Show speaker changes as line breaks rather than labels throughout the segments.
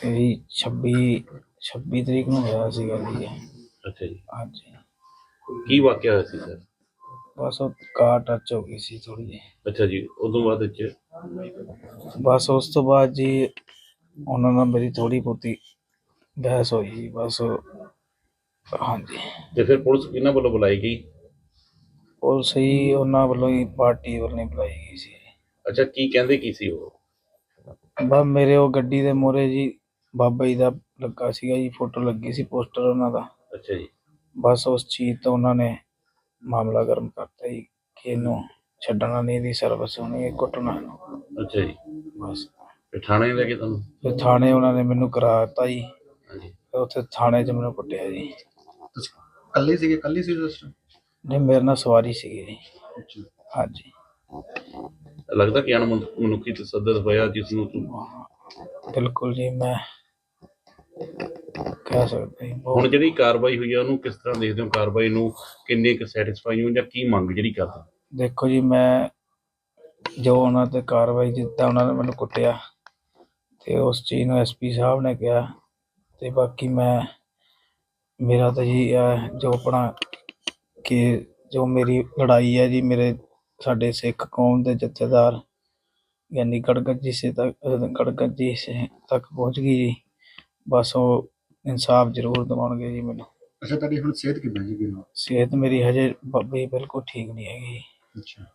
यही 26 तरीक ਨੂੰ ਹੋਇਆ ਸੀਗਾ ਜੀ ਇਹ।
ਅੱਛਾ ਜੀ,
ਹਾਂਜੀ,
ਕੀ ਵਾਕਿਆ ਹੋਇਆ ਸੀ ਸਰ?
ਬਸ ਉਹ ਕਾਰ ਟੱਚ ਹੋ ਗਈ ਸੀ ਥੋੜੀ ਜਿਹੀ।
ਅੱਛਾ ਜੀ, ਉਦੋਂ ਬਾਅਦ ਵਿੱਚ
ਬਸ ਉਸ ਤੋਂ ਬਾਅਦ ਜੀ ਉਹਨਾਂ ਨਾਲ ਮੇਰੀ ਥੋੜੀ ਬਹੁਤੀ ਬਹਿਸ ਹੋਈ ਜੀ ਬਸ। ਹਾਂਜੀ,
ਤੇ ਫਿਰ ਪੁਲਿਸ ਕਿਹਨਾਂ ਵੱਲੋਂ ਬੁਲਾਈ ਗਈ?
ਪੁਲਿਸ ਹੀ ਉਹਨਾਂ ਵੱਲੋਂ ਹੀ ਪਾਰਟੀ ਵੱਲੋਂ ਹੀ ਬੁਲਾਈ ਗਈ ਸੀ।
ਅੱਛਾ, ਕੀ ਕਹਿੰਦੇ ਕੀ ਸੀ ਉਹ?
ਬਸ ਮੇਰੇ ਉਹ ਗੱਡੀ ਦੇ ਮੂਹਰੇ ਜੀ ਬਾਬਾ ਜੀ ਦਾ ਲੱਗਾ ਸੀਗਾ ਜੀ, ਫੋਟੋ ਲੱਗੀ ਸੀ, ਪੋਸਟਰ ਉਹਨਾਂ ਦਾ।
ਅੱਛਾ ਜੀ,
ਬਸ ਉਸ ਚੀਜ਼ ਤੋਂ ਉਹਨਾਂ ਨੇ ਮਾਮਲਾ ਗਰਮ ਕਰਤਾ ਜੀ ਕਿ ਇਹਨੂੰ ਛੱਡਣਾ ਨਹੀਂ, ਇਹਦੀ ਸਰਵਿਸ ਹੋਣੀ, ਇਹ ਕੁੱਟਣਾ ਇਹਨੂੰ।
ਅੱਛਾ ਜੀ,
ਬਸ
ਫਿਰ ਥਾਣੇ ਲੈ ਕੇ ਤੁਹਾਨੂੰ?
ਫਿਰ ਥਾਣੇ ਉਹਨਾਂ ਨੇ ਮੈਨੂੰ ਕਰਾ ਦਿੱਤਾ ਜੀ।
ਹਾਂਜੀ,
ਫਿਰ ਉੱਥੇ ਥਾਣੇ 'ਚ ਮੈਨੂੰ ਕੁੱਟਿਆ ਜੀ।
ਤੁਸੀਂ ਕੱਲੇ ਸੀਗੇ, ਕੱਲੀ ਸੀ ਉਸ time?
ਨਹੀਂ, ਮੇਰੇ ਨਾਲ ਸਵਾਰੀ ਸੀਗੀ ਜੀ।
ਅੱਛਾ।
ਹਾਂਜੀ,
ਲੱਗਦਾ ਕਿ ਮਨੁੱਖੀ ਤਸੱਦਦ ਹੋਇਆ ਜਿਸ ਨੂੰ
ਬਿਲਕੁਲ ਜੀ, ਮੈਂ ਕਹਿ ਸਕਦਾ ਜੀ
ਹੁਣ
ਬਹੁਤ।
ਜਿਹੜੀ ਕਾਰਵਾਈ ਹੋਈ ਹੈ ਉਹਨੂੰ ਕਿਸ ਤਰ੍ਹਾਂ ਦੇਖਦੇ ਹੋ? ਕਾਰਵਾਈ ਨੂੰ ਕਿੰਨੇ ਕੁ ਸੈਟੀਸਫਾਈ ਹੋ ਜਾਂ ਕੀ ਮੰਗ ਜਿਹੜੀ ਕਰਦੇ?
ਦੇਖੋ ਜੀ, ਮੈਂ ਜੋ ਉਹਨਾਂ 'ਤੇ ਕਾਰਵਾਈ, ਜਿੱਦਾਂ ਉਹਨਾਂ ਨੇ ਮੈਨੂੰ ਕੁੱਟਿਆ ਅਤੇ ਉਸ ਚੀਜ਼ ਨੂੰ SP ਸਾਹਿਬ ਨੇ ਕਿਹਾ, ਅਤੇ ਬਾਕੀ ਮੇਰਾ ਤਾਂ ਜੀ ਜੋ ਆਪਣਾ ਕਿ ਜੋ ਮੇਰੀ ਲੜਾਈ ਹੈ ਜੀ, ਸਾਡੇ ਸਿੱਖ ਕੌਮ ਦੇ ਜਥੇਦਾਰ ਯਾਨੀ ਗੜਗੱਜੀ ਸਿੰਘ ਤੱਕ ਪਹੁੰਚ ਗਈ ਜੀ। ਬਸ ਉਹ ਇਨਸਾਫ ਜ਼ਰੂਰ ਦਿਵਾਉਣਗੇ ਜੀ ਮੈਨੂੰ।
ਅੱਛਾ, ਤੁਹਾਡੀ ਹੁਣ ਸਿਹਤ ਕਿੱਦਾਂ ਜੀ?
ਸਿਹਤ ਮੇਰੀ ਹਜੇ ਬਾਬੇ ਬਿਲਕੁਲ ਠੀਕ ਨਹੀਂ ਹੈਗੀ।
ਅੱਛਾ।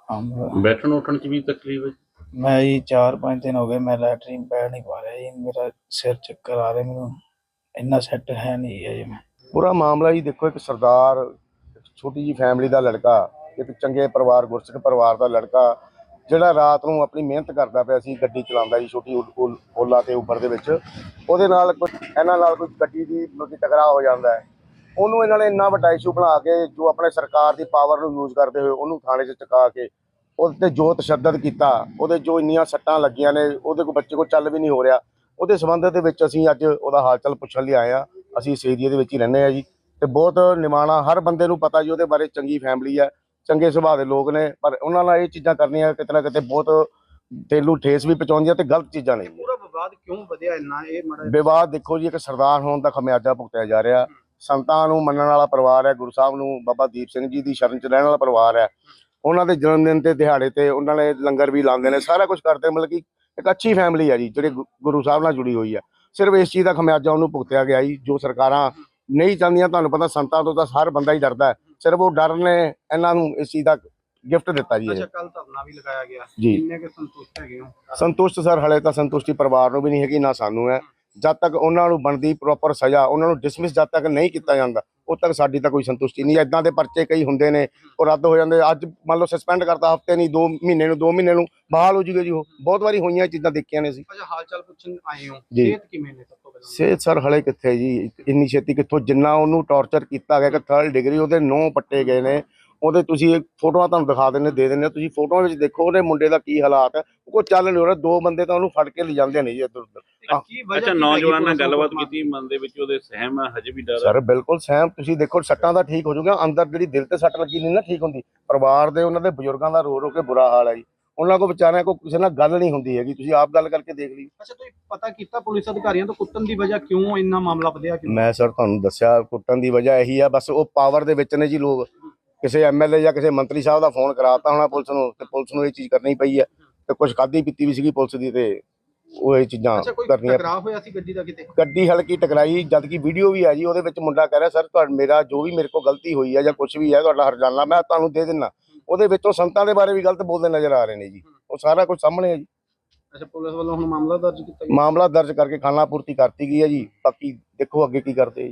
ਬੈਠਣ ਉੱਠਣ 'ਚ ਵੀ ਤਕਲੀਫ ਹੈ?
ਮੈਂ ਜੀ 4-5 ਦਿਨ ਹੋ ਗਏ ਮੈਂ ਲੈਟਰੀਨ ਪੈ ਨਹੀਂ ਪਾ ਰਿਹਾ ਜੀ। ਮੇਰਾ ਸਿਰ ਚੱਕਰ ਆ ਰਿਹਾ, ਮੈਨੂੰ ਇੰਨਾ ਸੈੱਟ ਹੈ ਨਹੀਂ ਅਜੇ ਮੈਂ।
ਪੂਰਾ ਮਾਮਲਾ ਜੀ ਦੇਖੋ, ਇੱਕ ਸਰਦਾਰ, ਇੱਕ ਛੋਟੀ ਜਿਹੀ ਫੈਮਿਲੀ ਦਾ ਲੜਕਾ, ਇੱਕ ਚੰਗੇ ਪਰਿਵਾਰ, ਗੁਰਸਿੱਖ ਪਰਿਵਾਰ ਦਾ ਲੜਕਾ, ਜਿਹੜਾ ਰਾਤ ਨੂੰ ਆਪਣੀ ਮਿਹਨਤ ਕਰਦਾ ਪਿਆ ਸੀ, ਗੱਡੀ ਚਲਾਉਂਦਾ ਜੀ ਛੋਟੀ ਓਲਾ ਤੇ ਉਬਰ ਦੇ ਵਿੱਚ। ਉਹਦੇ ਨਾਲ ਇਹਨਾਂ ਨਾਲ ਕੋਈ ਗੱਡੀ ਦੀ ਟਕਰਾਅ ਹੋ ਜਾਂਦਾ ਹੈ। ਉਹਨੂੰ ਇਹਨਾਂ ਨੇ ਇੰਨਾ ਵੱਡਾ ਇਸ਼ੂ ਬਣਾ ਕੇ, ਜੋ ਆਪਣੇ ਸਰਕਾਰ ਦੀ ਪਾਵਰ ਨੂੰ ਯੂਜ਼ ਕਰਦੇ ਹੋਏ ਉਹਨੂੰ ਥਾਣੇ 'ਚ ਚੁਕਾ ਕੇ ਉਹਦੇ 'ਤੇ ਜੋ ਤਸ਼ੱਦਦ ਕੀਤਾ, ਉਹਦੇ ਜੋ ਇੰਨੀਆਂ ਸੱਟਾਂ ਲੱਗੀਆਂ ਨੇ, ਉਹਦੇ ਕੋਲ ਬੱਚੇ ਕੋਲ ਚੱਲ ਵੀ ਨਹੀਂ ਹੋ ਰਿਹਾ। ਉਹਦੇ ਸੰਬੰਧ ਦੇ ਵਿੱਚ ਅਸੀਂ ਅੱਜ ਉਹਦਾ ਹਾਲ ਚਾਲ ਪੁੱਛਣ ਲਈ ਆਏ ਹਾਂ। ਅਸੀਂ ਇਸ ਏਰੀਏ ਦੇ ਵਿੱਚ ਹੀ ਰਹਿੰਦੇ ਹਾਂ ਜੀ, ਅਤੇ ਬਹੁਤ ਨਿਮਾਣਾ, ਹਰ ਬੰਦੇ ਨੂੰ ਪਤਾ ਜੀ ਉਹਦੇ ਬਾਰੇ, ਚੰਗੀ ਫੈਮਿਲੀ ਹੈ, ਚੰਗੇ ਸੁਭਾਅ ਦੇ ਲੋਕ ਨੇ, ਪਰ ਉਹਨਾਂ ਨਾਲ ਇਹ ਚੀਜ਼ਾਂ ਕਰਨੀਆਂ ਕਿਤੇ ਨਾ ਕਿਤੇ ਬਹੁਤ ਦਿਲ ਨੂੰ ਠੇਸ ਵੀ ਪਹੁੰਚਾਉਂਦੀਆਂ ਅਤੇ ਗਲਤ ਚੀਜ਼ਾਂ ਨੇ।
ਪੂਰਾ ਵਿਵਾਦ ਕਿਉਂ ਵਧਿਆ ਇੰਨਾ? ਇਹ
ਵਿਵਾਦ ਦੇਖੋ ਜੀ, ਇੱਕ ਸਰਦਾਰ ਹੋਣ ਦਾ ਖਮਿਆਜਾ ਭੁਗਤਿਆ ਜਾ ਰਿਹਾ। ਸੰਤਾਂ ਨੂੰ ਮੰਨਣ ਵਾਲਾ ਪਰਿਵਾਰ ਹੈ, ਗੁਰੂ ਸਾਹਿਬ ਨੂੰ, ਬਾਬਾ ਦੀਪ ਸਿੰਘ ਜੀ ਦੀ ਸ਼ਰਨ 'ਚ ਰਹਿਣ ਵਾਲਾ ਪਰਿਵਾਰ ਹੈ। ਉਹਨਾਂ ਦੇ ਜਨਮ ਦਿਨ ਤੇ ਦਿਹਾੜੇ ਤੇ ਉਹਨਾਂ ਨੇ ਲੰਗਰ ਵੀ ਲਾਉਂਦੇ ਨੇ, ਸਾਰਾ ਕੁਝ ਕਰਦੇ, ਮਤਲਬ ਕਿ ਇੱਕ ਅੱਛੀ ਫੈਮਿਲੀ ਹੈ ਜੀ, ਜਿਹੜੀ ਗੁਰੂ ਸਾਹਿਬ ਨਾਲ ਜੁੜੀ ਹੋਈ ਹੈ। ਸਿਰਫ ਇਸ ਚੀਜ਼ ਦਾ ਖਮਿਆਜਾ ਉਹਨੂੰ ਭੁਗਤਿਆ ਗਿਆ ਜੀ, ਜੋ ਸਰਕਾਰਾਂ ਨਹੀਂ ਚਾਹੁੰਦੀਆਂ। ਤੁਹਾਨੂੰ ਪਤਾ ਸੰਤਾਂ ਤੋਂ ਤਾਂ ਹਰ ਬੰਦਾ ਹੀ ਡਰਦਾ ਹੈ, ਸਿਰਫ ਉਹ ਡਰ ਨੇ ਇਹਨਾਂ ਨੂੰ ਇਸ ਚੀਜ਼ ਦਾ ਗਿਫਟ ਦਿੱਤਾ ਜੀ।
ਅੱਛਾ, ਕੱਲ ਧਰਨਾ ਵੀ ਲਗਾਇਆ ਗਿਆ
ਜੀ।
ਕਿੰਨੇ ਕੁ ਸੰਤੁਸ਼ਟ ਹੈਗੇ ਹੋ?
ਸੰਤੁਸ਼ਟ ਸਰ, ਹਲੇ ਤਾਂ ਸੰਤੁਸ਼ਟੀ ਪਰਿਵਾਰ ਨੂੰ ਵੀ ਨਹੀਂ ਹੈਗੀ, ਨਾ ਸਾਨੂੰ ਹੈ। ਜਦ ਤੱਕ ਉਹਨਾਂ ਨੂੰ ਬਣਦੀ ਪ੍ਰੋਪਰ ਸਜ਼ਾ, ਉਹਨਾਂ ਨੂੰ ਡਿਸਮਿਸ ਜਦ ਤੱਕ ਨਹੀਂ ਕੀਤਾ ਜਾਂਦਾ, ਉਦ ਤੱਕ ਸਾਡੀ ਤਾਂ ਕੋਈ ਸੰਤੁਸ਼ਟੀ ਨਹੀਂ। ਇੱਦਾਂ ਦੇ ਪਰਚੇ ਕਈ ਹੁੰਦੇ ਨੇ, ਉਹ ਰੱਦ ਹੋ ਜਾਂਦੇ। ਅੱਜ ਮੰਨ ਲਓ ਸਸਪੈਂਡ ਕਰਤਾ, ਹਫ਼ਤੇ ਨਹੀਂ, 2 ਮਹੀਨੇ ਨੂੰ ਬਹਾਲ ਹੋ ਜੂਗੇ ਜੀ। ਉਹ ਬਹੁਤ ਵਾਰੀ ਹੋਈਆਂ ਚੀਜ਼ਾਂ ਦੇਖੀਆਂ ਨੇ ਅਸੀਂ।
ਅੱਛਾ, ਹਾਲ ਚਾਲ ਪੁੱਛਣ ਆਏ ਹੋ,
ਜੀ।
ਸਿਹਤ ਕਿਵੇਂ ਨੇ? ਸਭ ਤੋਂ ਪਹਿਲਾਂ
ਸਿਹਤ ਸਰ ਹਲੇ ਕਿੱਥੇ ਜੀ, ਇੰਨੀ ਛੇਤੀ ਕਿੱਥੋਂ? ਜਿੰਨਾ ਉਹਨੂੰ ਟੌਰਚਰ ਕੀਤਾ ਗਿਆ ਕਿ 3rd ਡਿਗਰੀ ਉਹਦੇ 9 ਪੱਟੇ ਗਏ ਨੇ। ਉਹਦੇ ਤੁਸੀਂ ਫੋਟੋਆਂ ਤੁਹਾਨੂੰ ਦਿਖਾ ਦੇ ਦਿੰਦੇ, ਤੁਸੀਂ ਫੋਟੋਆਂ ਵਿੱਚ ਦੇਖੋ ਉਹਦੇ ਮੁੰਡੇ ਦਾ ਕੀ ਹਾਲਾਤ ਹੈ। ਉਹ ਕੋਈ ਚੱਲ ਨਹੀਂ ਹੋ ਰਿਹਾ, 2 ਬੰਦੇ ਤਾਂ ਉਹਨੂੰ ਫੜ ਕੇ ਲਿਜਾਂਦੇ ਨੇ ਜੀ ਇੱਧਰ ਉੱਧਰ।
ਅੱਛਾ, ਨੌਜਵਾਨ ਨਾਲ ਗੱਲਬਾਤ ਕੀਤੀ, ਮਨ ਦੇ ਵਿੱਚ ਉਹਦੇ ਸਹਿਮ ਹੈ, ਹਜੇ ਵੀ ਡਰ ਹੈ?
ਸਰ ਬਿਲਕੁਲ ਸਹਿਮ, ਤੁਸੀਂ ਦੇਖੋ ਸੱਟਾਂ ਦਾ ਠੀਕ ਹੋ ਜਾਊਗਾ, ਅੰਦਰ ਜਿਹੜੀ ਦਿਲ ਤੇ ਸੱਟ ਲੱਗੀ ਨਹੀਂ ਨਾ ਠੀਕ ਹੁੰਦੀ। ਪਰਿਵਾਰ ਦੇ, ਉਹਨਾਂ ਦੇ ਬਜ਼ੁਰਗਾਂ ਦਾ ਰੋ ਰੋ ਕੇ ਬੁਰਾ ਹਾਲ ਹੈ ਜੀ। ਉਹਨਾਂ ਕੋਲ ਵਿਚਾਰਿਆਂ ਕੋਲ ਕਿਸੇ ਨਾਲ ਗੱਲ ਨਹੀਂ ਹੁੰਦੀ ਹੈਗੀ, ਤੁਸੀਂ ਆਪ ਗੱਲ ਕਰਕੇ ਦੇਖ ਲਈ।
ਅੱਛਾ, ਤੁਸੀਂ ਪਤਾ ਕੀਤਾ ਪੁਲਿਸ ਅਧਿਕਾਰੀਆਂ ਤੋਂ ਕੁੱਟਣ ਦੀ ਵਜ੍ਹਾ ਕਿਉਂ ਇੰਨਾ ਮਾਮਲਾ ਵਧਿਆ? ਕਿਉਂ?
ਮੈਂ ਸਰ ਤੁਹਾਨੂੰ ਦੱਸਿਆ, ਕੁੱਟਣ ਦੀ ਵਜ੍ਹਾ ਇਹੀ ਆ, ਬਸ ਉਹ ਪਾਵਰ ਦੇ ਵਿੱਚ ਨੇ ਜੀ ਲੋਕ। ਕਿਸੇ MLA ਜਾਂ ਕਿਸੇ ਮੰਤਰੀ ਸਾਹਿਬ ਦਾ ਫੋਨ ਕਰਾਤਾ ਹੋਣਾ ਪੁਲਿਸ ਨੂੰ, ਤੇ ਪੁਲਿਸ ਨੂੰ ਇਹ ਚੀਜ਼ ਕਰਨੀ ਪਈ ਹੈ। ਤੇ ਕੁਝ ਖਾਧੀ ਪੀਤੀ ਵੀ ਸੀਗੀ ਪੁਲਿਸ ਦੀ, ਤੇ ਉਹ ਇਹ ਚੀਜ਼ਾਂ ਕਰਨੀਆਂ।
ਟਕਰਾਅ ਹੋਇਆ ਸੀ ਗੱਡੀ ਦਾ ਕਿਤੇ?
ਗੱਡੀ ਹਲਕੀ ਟਕਰਾਈ, ਜਦ ਕਿ ਵੀਡੀਓ ਵੀ ਆ ਜੀ, ਉਹਦੇ ਵਿੱਚ ਮੁੰਡਾ ਕਹਿ ਰਿਹਾ ਸਰ ਮੇਰਾ ਜੋ ਵੀ ਮੇਰੇ ਕੋਲ ਗਲਤੀ ਹੋਈ ਹੈ ਜਾਂ ਕੁਝ ਵੀ ਹੈ, ਤੁਹਾਡਾ ਹਰਜਾਨਾ ਮੈਂ ਤੁਹਾਨੂੰ ਦੇ ਦਿੰਦਾ। ਉਹਦੇ ਵਿੱਚੋਂ ਸੰਤਾਂ ਦੇ ਬਾਰੇ ਵੀ ਗਲਤ ਬੋਲਦੇ ਨਜ਼ਰ ਆ ਰਹੇ ਨੇ ਜੀ, ਉਹ ਸਾਰਾ ਕੁਝ ਸਾਹਮਣੇ ਹੈ ਜੀ।
ਅੱਛਾ, ਪੁਲਿਸ ਵੱਲੋਂ ਹੁਣ ਮਾਮਲਾ ਦਰਜ ਕੀਤਾ ਗਿਆ?
ਮਾਮਲਾ ਦਰਜ ਕਰਕੇ ਖਾਨਾ ਪੂਰਤੀ ਕਰਤੀ ਗਈ ਹੈ ਜੀ, ਬਾਕੀ ਦੇਖੋ ਅੱਗੇ ਕੀ ਕਰਦੇ ਜੀ।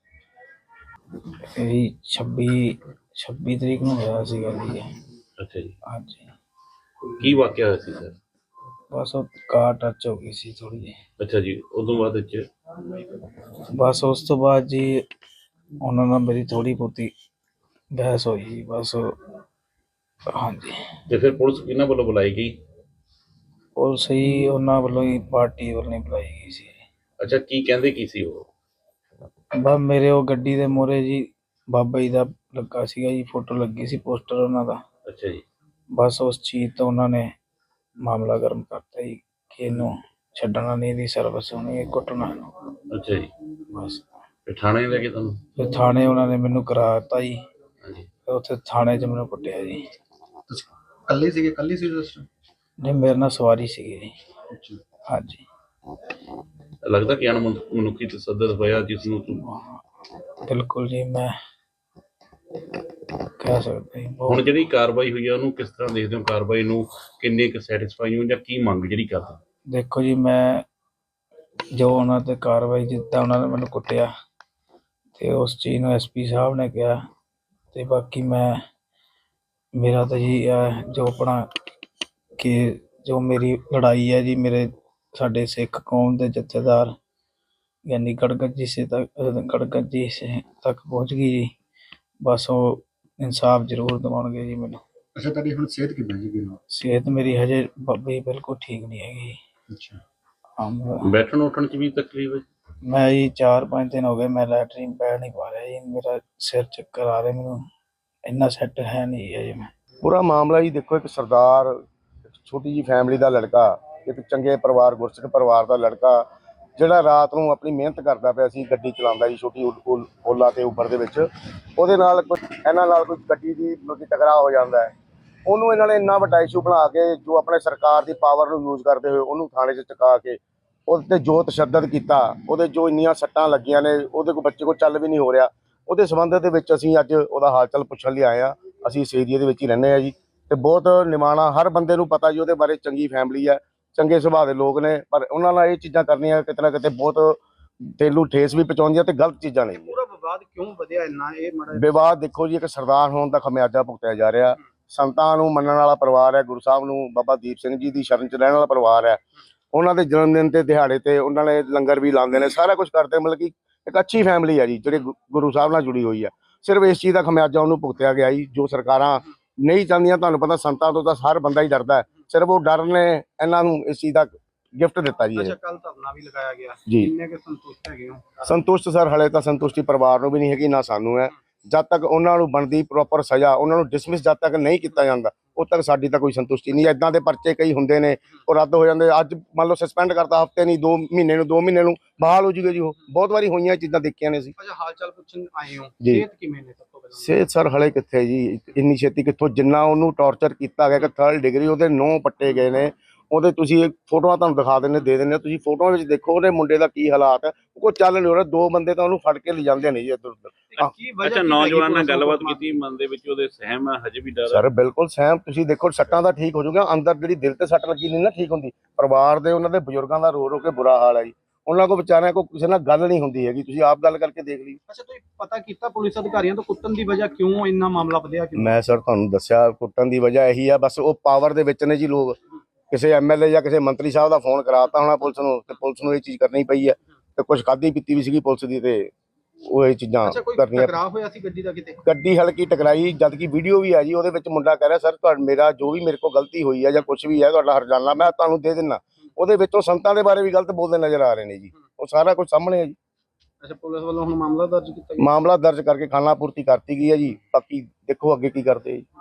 यही 26 ਤਰੀਕ ਨੂੰ ਹੋਇਆ ਸੀਗਾ ਜੀ ਇਹ।
ਅੱਛਾ ਜੀ,
ਹਾਂਜੀ,
ਕੀ ਵਾਕਿਆ ਹੋਇਆ ਸੀ ਸਰ?
ਬਸ ਉਹ ਕਾਰ ਟੱਚ ਹੋ ਗਈ ਸੀ ਥੋੜੀ ਜਿਹੀ।
ਅੱਛਾ ਜੀ, ਉਦੋਂ ਬਾਅਦ ਵਿੱਚ
ਬਸ ਉਸ ਤੋਂ ਬਾਅਦ ਜੀ ਉਹਨਾਂ ਨਾਲ ਮੇਰੀ ਥੋੜੀ ਬਹੁਤੀ ਬਹਿਸ ਹੋਈ ਜੀ ਬਸ। ਹਾਂਜੀ,
ਤੇ ਫਿਰ ਪੁਲਿਸ ਕਿਹਨਾਂ ਵੱਲੋਂ ਬੁਲਾਈ ਗਈ?
ਪੁਲਿਸ ਹੀ ਉਹਨਾਂ ਵੱਲੋਂ ਹੀ, ਪਾਰਟੀ ਵੱਲੋਂ ਹੀ ਬੁਲਾਈ ਗਈ ਸੀ।
ਅੱਛਾ, ਕੀ ਕਹਿੰਦੇ ਕੀ ਸੀ ਉਹ?
ਬਸ ਮੇਰੇ ਉਹ ਗੱਡੀ ਦੇ ਮੂਹਰੇ ਜੀ ਬਾਬਾ ਜੀ ਦਾ ਲੱਗਾ ਸੀਗਾ ਜੀ, ਫੋਟੋ ਲੱਗੀ ਸੀ, ਪੋਸਟਰ ਉਹਨਾਂ ਦਾ।
ਅੱਛਾ ਜੀ,
ਬਸ ਉਸ ਚੀਜ਼ ਤੋਂ ਉਹਨਾਂ ਨੇ ਮਾਮਲਾ ਗਰਮ ਕਰਤਾ ਜੀ ਕਿ ਇਹਨੂੰ ਛੱਡਣਾ ਨਹੀਂ, ਦੀ ਸਰਵਿਸ ਹੋਣੀ ਹੈ, ਕੁੱਟਣਾ ਇਹਨੂੰ
ਅੱਛਾ ਜੀ,
ਬਸ।
ਫਿਰ ਥਾਣੇ ਲੈ ਕੇ ਤੁਹਾਨੂੰ?
ਫਿਰ ਥਾਣੇ ਉਹਨਾਂ ਨੇ ਮੈਨੂੰ ਕਰਾ ਦਿੱਤਾ ਜੀ,
ਹਾਂਜੀ।
ਫਿਰ ਉੱਥੇ ਥਾਣੇ 'ਚ ਮੈਨੂੰ ਕੁੱਟਿਆ ਜੀ।
ਤੁਸੀਂ ਇਕੱਲੇ ਸੀਗੇ, ਇਕੱਲੀ ਸੀ ਉਸ time?
ਨਹੀਂ, ਮੇਰੇ ਨਾਲ ਸਵਾਰੀ ਸੀਗੀ ਜੀ।
ਅੱਛਾ।
ਹਾਂਜੀ।
ਲੱਗਦਾ ਕਿ ਮਨੁੱਖੀ ਤਸੱਦਦ ਹੋਇਆ ਜਿਸ ਨੂੰ
ਬਿਲਕੁਲ ਜੀ, ਮੈਂ ਕਹਿ ਸਕਦਾ ਜੀ
ਹੁਣ
ਬਹੁਤ।
ਜਿਹੜੀ ਕਾਰਵਾਈ ਹੋਈ ਆ ਉਹਨੂੰ ਕਿਸ ਤਰ੍ਹਾਂ ਦੇਖਦੇ ਹੋ? ਕਾਰਵਾਈ ਨੂੰ ਕਿੰਨੇ ਕੁ ਸੈਟੀਸਫਾਈ ਹੋ ਜਾਂ ਕੀ ਮੰਗ ਜਿਹੜੀ ਕਰਦੇ?
ਦੇਖੋ ਜੀ, ਮੈਂ ਜੋ ਉਹਨਾਂ 'ਤੇ ਕਾਰਵਾਈ, ਜਿੱਦਾਂ ਉਹਨਾਂ ਨੇ ਮੈਨੂੰ ਕੁੱਟਿਆ ਤੇ ਉਸ ਚੀਜ਼ ਨੂੰ ਐਸਪੀ ਸਾਹਿਬ ਨੇ ਕਿਹਾ, ਤੇ ਬਾਕੀ ਮੇਰਾ ਤਾਂ ਜੀ ਜੋ ਆਪਣਾ ਕਿ ਜੋ ਮੇਰੀ ਲੜਾਈ ਹੈ ਜੀ, ਮੇਰੇ ਸਾਡੇ ਸਿੱਖ ਕੌਮ ਦੇ ਜਥੇਦਾਰ ਯਾਨੀ ਗੜਗੱਜੀ ਸੇ ਤੱਕ ਪਹੁੰਚ ਗਈ ਜੀ। ਬਸ ਉਹ ਇਨਸਾਫ ਜ਼ਰੂਰ ਦਿਵਾਉਣਗੇ ਜੀ ਮੈਨੂੰ।
ਅੱਛਾ, ਤੁਹਾਡੀ ਹੁਣ ਸਿਹਤ ਕਿੱਦਾਂ ਜੀ?
ਸਿਹਤ ਮੇਰੀ ਹਜੇ ਬਾਬੇ ਬਿਲਕੁਲ ਠੀਕ ਨਹੀਂ ਹੈਗੀ।
ਅੱਛਾ।
ਬੈਠਣ ਉੱਠਣ 'ਚ ਵੀ ਤਕਲੀਫ ਹੈ?
ਮੈਂ ਜੀ 4-5 ਦਿਨ ਹੋ ਗਏ, ਮੈਂ ਲੈਟਰੀਨ ਪੈ ਨਹੀਂ ਪਾ ਰਿਹਾ ਜੀ। ਮੇਰਾ ਸਿਰ ਚੱਕਰ ਆ ਰਿਹਾ, ਮੈਨੂੰ ਇੰਨਾ ਸੈੱਟ ਹੈ ਨਹੀਂ ਹੈ ਜੀ। ਮੈਂ
ਪੂਰਾ ਮਾਮਲਾ ਜੀ ਦੇਖੋ, ਇੱਕ ਸਰਦਾਰ, ਇੱਕ ਛੋਟੀ ਜੀ ਫੈਮਿਲੀ ਦਾ ਲੜਕਾ, ਇੱਕ ਚੰਗੇ ਪਰਿਵਾਰ, ਗੁਰਸਿੱਖ ਪਰਿਵਾਰ ਦਾ ਲੜਕਾ, ਜਿਹੜਾ ਰਾਤ ਨੂੰ ਆਪਣੀ ਮਿਹਨਤ ਕਰਦਾ ਪਿਆ ਸੀ, ਗੱਡੀ ਚਲਾਉਂਦਾ ਜੀ ਛੋਟੀ ਓਲਾ ਤੇ ਉਬਰ ਦੇ ਵਿੱਚ। ਉਹਦੇ ਨਾਲ ਇਹਨਾਂ ਨਾਲ ਕੋਈ ਗੱਡੀ ਦੀ ਮਤਲਬ ਟਕਰਾਅ ਹੋ ਜਾਂਦਾ ਹੈ। ਉਹਨੂੰ ਇਹਨਾਂ ਨੇ ਇੰਨਾ ਵੱਡਾ ਇਸ਼ੂ ਬਣਾ ਕੇ, ਜੋ ਆਪਣੇ ਸਰਕਾਰ ਦੀ ਪਾਵਰ ਨੂੰ ਯੂਜ਼ ਕਰਦੇ ਹੋਏ ਉਹਨੂੰ ਥਾਣੇ 'ਚ ਚੁਕਾ ਕੇ ਉਹਦੇ 'ਤੇ ਜੋ ਤਸ਼ੱਦਦ ਕੀਤਾ, ਉਹਦੇ ਜੋ ਇੰਨੀਆਂ ਸੱਟਾਂ ਲੱਗੀਆਂ ਨੇ, ਉਹਦੇ ਕੋਲ ਬੱਚੇ ਕੋਲ ਚੱਲ ਵੀ ਨਹੀਂ ਹੋ ਰਿਹਾ। ਉਹਦੇ ਸੰਬੰਧ ਦੇ ਵਿੱਚ ਅਸੀਂ ਅੱਜ ਉਹਦਾ ਹਾਲ ਚਾਲ ਪੁੱਛਣ ਲਈ ਆਏ ਹਾਂ। ਅਸੀਂ ਇਸ ਏਰੀਏ ਦੇ ਵਿੱਚ ਹੀ ਰਹਿੰਦੇ ਹਾਂ ਜੀ, ਤੇ ਬਹੁਤ ਨਿਮਾਣਾ, ਹਰ ਬੰਦੇ ਨੂੰ ਪਤਾ ਜੀ ਉਹਦੇ ਬਾਰੇ। ਚੰਗੀ ਫੈਮਿਲੀ ਹੈ, ਚੰਗੇ ਸੁਭਾਅ ਦੇ ਲੋਕ ਨੇ, ਪਰ ਉਹਨਾਂ ਨਾਲ ਇਹ ਚੀਜ਼ਾਂ ਕਰਨੀਆਂ ਕਿਤੇ ਨਾ ਕਿਤੇ ਬਹੁਤ ਦਿਲ ਨੂੰ ਠੇਸ ਵੀ ਪਹੁੰਚਾਉਂਦੀਆਂ ਤੇ ਗਲਤ ਚੀਜ਼ਾਂ ਨੇ।
ਪੂਰਾ ਵਿਵਾਦ ਕਿਉਂ ਵਧਿਆ ਇੰਨਾ? ਇਹ ਮਾੜਾ
ਵਿਵਾਦ ਦੇਖੋ ਜੀ, ਇੱਕ ਸਰਦਾਰ ਹੋਣ ਦਾ ਖਮਿਆਜਾ ਭੁਗਤਿਆ ਜਾ ਰਿਹਾ। ਸੰਤਾਂ ਨੂੰ ਮੰਨਣ ਵਾਲਾ ਪਰਿਵਾਰ ਹੈ, ਗੁਰੂ ਸਾਹਿਬ ਨੂੰ, ਬਾਬਾ ਦੀਪ ਸਿੰਘ ਜੀ ਦੀ ਸ਼ਰਨ 'ਚ ਰਹਿਣ ਵਾਲਾ ਪਰਿਵਾਰ ਹੈ। ਉਹਨਾਂ ਦੇ ਜਨਮ ਦਿਨ ਤੇ ਦਿਹਾੜੇ ਤੇ ਉਹਨਾਂ ਨੇ ਲੰਗਰ ਵੀ ਲਾਉਂਦੇ ਨੇ, ਸਾਰਾ ਕੁਝ ਕਰਦੇ। ਮਤਲਬ ਕਿ ਇੱਕ ਅੱਛੀ ਫੈਮਿਲੀ ਹੈ ਜੀ, ਜਿਹੜੀ ਗੁਰੂ ਸਾਹਿਬ ਨਾਲ ਜੁੜੀ ਹੋਈ ਹੈ। ਸਿਰਫ ਇਸ ਚੀਜ਼ ਦਾ ਖਮਿਆਜਾ ਉਹਨੂੰ ਭੁਗਤਿਆ ਗਿਆ ਜੀ, ਜੋ ਸਰਕਾਰਾਂ ਨਹੀਂ ਚਾਹੁੰਦੀਆਂ। ਤੁਹਾਨੂੰ ਪਤਾ, ਸੰਤਾਂ ਤੋਂ ਤਾਂ ਹਰ ਬੰਦਾ ਹੀ ਡਰਦਾ ਹੈ। ਸਿਰਫ ਉਹ ਡਰ ਨੇ ਇਹਨਾਂ ਨੂੰ ਇਸ ਚੀਜ਼ ਦਾ ਗਿਫਟ ਦਿੱਤਾ ਜੀ।
ਅੱਛਾ, ਕੱਲ ਧਰਨਾ ਵੀ ਲਗਾਇਆ ਗਿਆ,
ਜੀ।
ਕਿੰਨੇ ਕੁ ਸੰਤੁਸ਼ਟ ਹੈਗੇ ਹੋ?
ਸੰਤੁਸ਼ਟ ਸਰ, ਹਲੇ ਤਾਂ ਸੰਤੁਸ਼ਟੀ ਪਰਿਵਾਰ ਨੂੰ ਵੀ ਨਹੀਂ ਹੈਗੀ, ਨਾ ਸਾਨੂੰ ਹੈ। ਜਦ ਤੱਕ ਉਹਨਾਂ ਨੂੰ ਬਣਦੀ ਪ੍ਰੋਪਰ ਸਜ਼ਾ, ਉਹਨਾਂ ਨੂੰ ਡਿਸਮਿਸ ਜਦ ਤੱਕ ਨਹੀਂ ਕੀਤਾ ਜਾਂਦਾ, ਉਦ ਤੱਕ ਸਾਡੀ ਤਾਂ ਕੋਈ ਸੰਤੁਸ਼ਟੀ ਨਹੀਂ। ਇਦਾਂ ਦੇ ਪਰਚੇ ਕਈ ਹੁੰਦੇ ਨੇ, ਉਹ ਰੱਦ ਹੋ ਜਾਂਦੇ। ਅੱਜ ਮੰਨ ਲਓ ਸਸਪੈਂਡ ਕਰਤਾ, ਹਫਤੇ ਨਹੀਂ 2 ਮਹੀਨੇ ਨੂੰ, 2 ਮਹੀਨੇ ਨੂੰ ਬਹਾਲ ਹੋ ਜੂਗੇ ਜੀ। ਉਹ ਬਹੁਤ ਵਾਰੀ ਹੋਈਆਂ ਚੀਜ਼ਾਂ ਦੇਖੀਆਂ ਨੇ ਅਸੀਂ।
ਅੱਛਾ, ਹਾਲ ਚਾਲ ਪੁੱਛਣ ਆਏ ਹੋ,
ਜੀ।
ਸਿਹਤ ਕਿਵੇਂ ਨੇ ਸਭ ਤੋਂ ਪਹਿਲਾਂ?
ਸਿਹਤ ਸਰ ਹਲੇ ਕਿੱਥੇ ਜੀ, ਇੰਨੀ ਛੇਤੀ ਕਿੱਥੋਂ। ਜਿੰਨਾ ਉਹਨੂੰ ਟੌਰਚਰ ਕੀਤਾ ਗਿਆ ਕਿ 3rd ਡਿਗਰੀ ਉਹਦੇ 9 ਪੱਟੇ ਗਏ ਨੇ। ਉਹਦੇ ਤੁਸੀਂ ਫੋਟੋਆਂ ਤੁਹਾਨੂੰ ਦਿਖਾ ਦਿੰਦੇ, ਦੇ ਦਿੰਦੇ, ਤੁਸੀਂ ਫੋਟੋਆਂ ਵਿੱਚ ਦੇਖੋ ਉਹਦੇ ਮੁੰਡੇ ਦਾ ਕੀ ਹਾਲਾਤ ਹੈ। ਉਹ ਕੋਈ ਚੱਲ ਨਹੀਂ ਹੋ ਰਿਹਾ। 2 ਬੰਦੇ ਤਾਂ ਉਹਨੂੰ ਫੜ ਕੇ ਲਿਜਾਂਦੇ ਨੇ ਜੀ ਇੱਧਰ ਉੱਧਰ।
ਕੀ ਵਜ੍ਹਾ
ਅੱਛਾ,
ਕੀ
ਨੌਜਵਾਨ
ਹੈਗੀ
ਨਾਲ ਗੱਲਬਾਤ
ਪੂਰਾ
ਕੀਤੀ, ਮਨ ਦੇ ਵਿੱਚ ਉਹਦੇ ਸਹਿਮ ਹੈ, ਹਜੇ ਵੀ ਡਰ ਹੈ?
ਸਰ ਬਿਲਕੁਲ ਸਹਿਮ। ਤੁਸੀਂ ਦੇਖੋ, ਸੱਟਾਂ ਦਾ ਠੀਕ ਹੋ ਜਾਊਗਾ, ਅੰਦਰ ਜਿਹੜੀ ਦਿਲ ਤੇ ਸੱਟ ਲੱਗੀ ਨਹੀਂ ਨਾ ਠੀਕ ਹੁੰਦੀ। ਪਰਿਵਾਰ ਦੇ, ਉਹਨਾਂ ਦੇ ਬਜ਼ੁਰਗਾਂ ਦਾ ਰੋ ਰੋ ਕੇ ਬੁਰਾ ਹਾਲ ਹੈ ਜੀ। ਉਹਨਾਂ ਕੋਲ ਵਿਚਾਰਿਆਂ ਕੋਲ ਕਿਸੇ ਨਾਲ ਗੱਲ ਨਹੀਂ ਹੁੰਦੀ ਹੈਗੀ। ਤੁਸੀਂ ਆਪ ਗੱਲ ਕਰਕੇ ਦੇਖ ਲਈ।
ਅੱਛਾ, ਤੁਸੀਂ ਪਤਾ ਕੀਤਾ ਪੁਲਿਸ ਅਧਿਕਾਰੀਆਂ ਤੋਂ ਕੁੱਟਣ ਦੀ ਵਜ੍ਹਾ ਕਿਉਂ ਇੰਨਾ ਮਾਮਲਾ ਵਧਿਆ? ਕਿਉਂ?
ਮੈਂ ਸਰ ਤੁਹਾਨੂੰ ਦੱਸਿਆ, ਕੁੱਟਣ ਦੀ ਵਜ੍ਹਾ ਇਹੀ ਆ, ਬਸ ਉਹ ਪਾਵਰ ਦੇ ਵਿੱਚ ਨੇ ਜੀ ਲੋਕ। ਕਿਸੇ ਐਮਐਲਏ ਜਾਂ ਕਿਸੇ ਮੰਤਰੀ ਸਾਹਿਬ ਦਾ ਫੋਨ ਕਰਾਤਾ ਹੋਣਾ ਪੁਲਿਸ ਨੂੰ, ਤੇ ਪੁਲਿਸ ਨੂੰ ਇਹ ਚੀਜ਼ ਕਰਨੀ ਪਈ ਹੈ। ਤੇ ਕੁਝ ਖਾਧੀ ਪੀਤੀ ਵੀ ਸੀਗੀ ਪੁਲਿਸ ਦੀ, ਤੇ ਉਹ ਇਹ ਚੀਜ਼ਾਂ
ਅੱਛਾ, ਕੋਈ
ਕਰਨੀਆਂ।
ਟਕਰਾਅ ਹੋਇਆ ਸੀ ਗੱਡੀ ਦਾ ਕਿਤੇ?
ਗੱਡੀ ਹਲਕੀ ਟਕਰਾਈ, ਜਦ ਕਿ ਵੀਡੀਓ ਵੀ ਆ ਜੀ। ਉਹਦੇ ਵਿੱਚ ਮੁੰਡਾ ਕਹਿ ਰਿਹਾ, ਸਰ ਮੇਰਾ ਜੋ ਵੀ ਮੇਰੇ ਕੋਲ ਗਲਤੀ ਹੋਈ ਹੈ ਜਾਂ ਕੁਝ ਵੀ ਹੈ, ਤੁਹਾਡਾ ਹਰਜਾਨਾ ਮੈਂ ਤੁਹਾਨੂੰ ਦੇ ਦਿੰਦਾ। ਉਹਦੇ ਵਿੱਚ ਉਹ ਸੰਤਾਂ ਦੇ ਬਾਰੇ ਵੀ ਗਲਤ ਬੋਲਦੇ ਨਜ਼ਰ ਆ ਰਹੇ ਨੇ ਜੀ। ਉਹ ਸਾਰਾ ਕੁਝ ਸਾਹਮਣੇ ਹੈ ਜੀ।
ਅੱਛਾ, ਪੁਲਿਸ ਵੱਲੋਂ ਹੁਣ ਮਾਮਲਾ ਦਰਜ ਕੀਤਾ ਗਿਆ?
ਮਾਮਲਾ ਦਰਜ ਕਰਕੇ ਖਾਨਾ ਪੂਰਤੀ ਕਰਤੀ ਗਈ ਹੈ ਜੀ। ਬਾਕੀ ਦੇਖੋ ਅੱਗੇ ਕੀ ਕਰਦੇ ਜੀ।